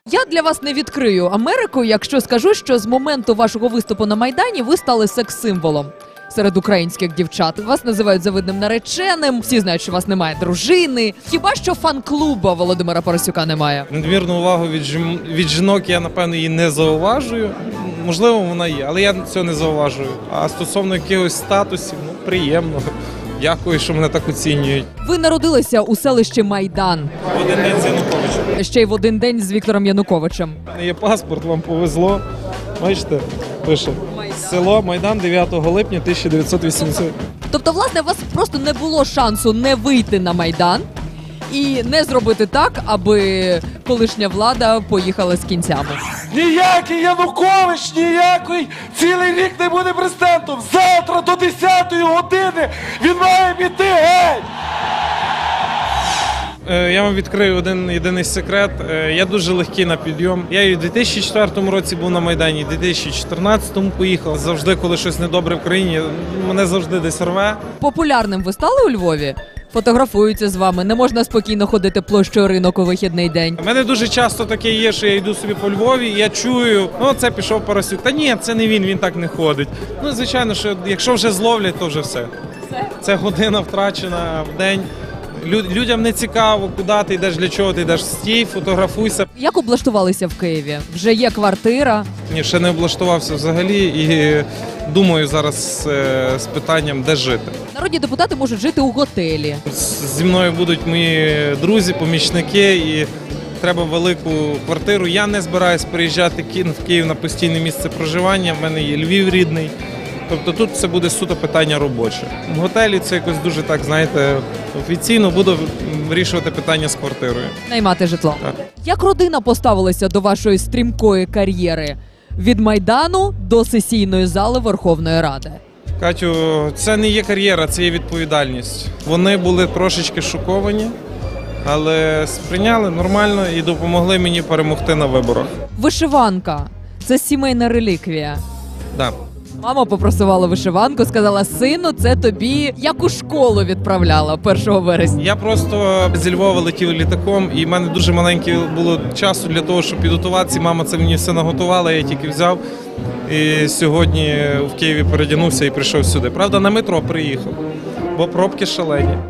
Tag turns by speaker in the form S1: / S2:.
S1: Я для вас не відкрию Америку, якщо скажу, що з моменту вашого виступу на Майдані ви стали секс-символом серед українських дівчат. Вас називають завидним нареченим, всі знають, що у вас немає дружини. Хіба що фан-клуба Володимира Парасюка немає?
S2: Надмірну увагу від жінок я, напевно, її не зауважую. Можливо, вона є, але я цього не зауважую. А стосовно якихось статусів, приємно. Дякую, що мене так оцінюють.
S1: Ви народилися у селищі Майдан.
S2: Один день з Януковичем.
S1: Ще й в один день з Віктором Януковичем.
S2: У мене є паспорт, вам повезло. Бачите, пише. Село Майдан 9 липня 1980.
S1: Тобто, власне, у вас просто не було шансу не вийти на Майдан і не зробити так, аби колишня влада поїхала з кінцями.
S3: Ніякий Янукович, ніякий цілий рік не буде президентом. Завтра до 10-ї години він має піти геть.
S2: Я вам відкрию один єдиний секрет. Я дуже легкий на підйом. Я і в 2004 році був на Майдані, і в 2014 поїхав. Завжди, коли щось недобре в країні, мене завжди десь рве.
S1: Популярним ви стали у Львові? Фотографуються з вами, не можна спокійно ходити площею Ринок у вихідний день.
S2: У мене дуже часто таке є, що я йду собі по Львові, і я чую, це пішов Парасюк. Та ні, це не він так не ходить. Звичайно, що якщо вже зловлять, то вже все. Це година втрачена в день. Людям не цікаво, куди ти йдеш, для чого ти йдеш. Стій, фотографуйся.
S1: Як облаштувалися в Києві? Вже є квартира?
S2: Ні, ще не облаштувався взагалі і думаю зараз з питанням, де жити.
S1: Народні депутати можуть жити у готелі.
S2: Зі мною будуть мої друзі, помічники і треба велику квартиру. Я не збираюсь переїжджати в Київ на постійне місце проживання, в мене є Львів рідний. Тобто тут це буде суто питання робоче. В готелі це якось дуже так, знаєте, офіційно буду вирішувати питання з квартирою.
S1: Наймати житло.
S2: Так.
S1: Як родина поставилася до вашої стрімкої кар'єри? Від Майдану до сесійної зали Верховної Ради.
S2: Катю, це не є кар'єра, це є відповідальність. Вони були трошечки шоковані, але сприйняли нормально і допомогли мені перемогти на виборах.
S1: Вишиванка – це сімейна реліквія.
S2: Да.
S1: Мама попросувала вишиванку, сказала: сину, це тобі як у школу відправляла 1 вересня.
S2: Я просто зі Львова летів літаком, і в мене дуже маленьке було часу для того, щоб підготуватися. Мама це мені все наготувала, я тільки взяв. І сьогодні в Києві передягнувся і прийшов сюди. Правда, на метро приїхав, бо пробки шалені.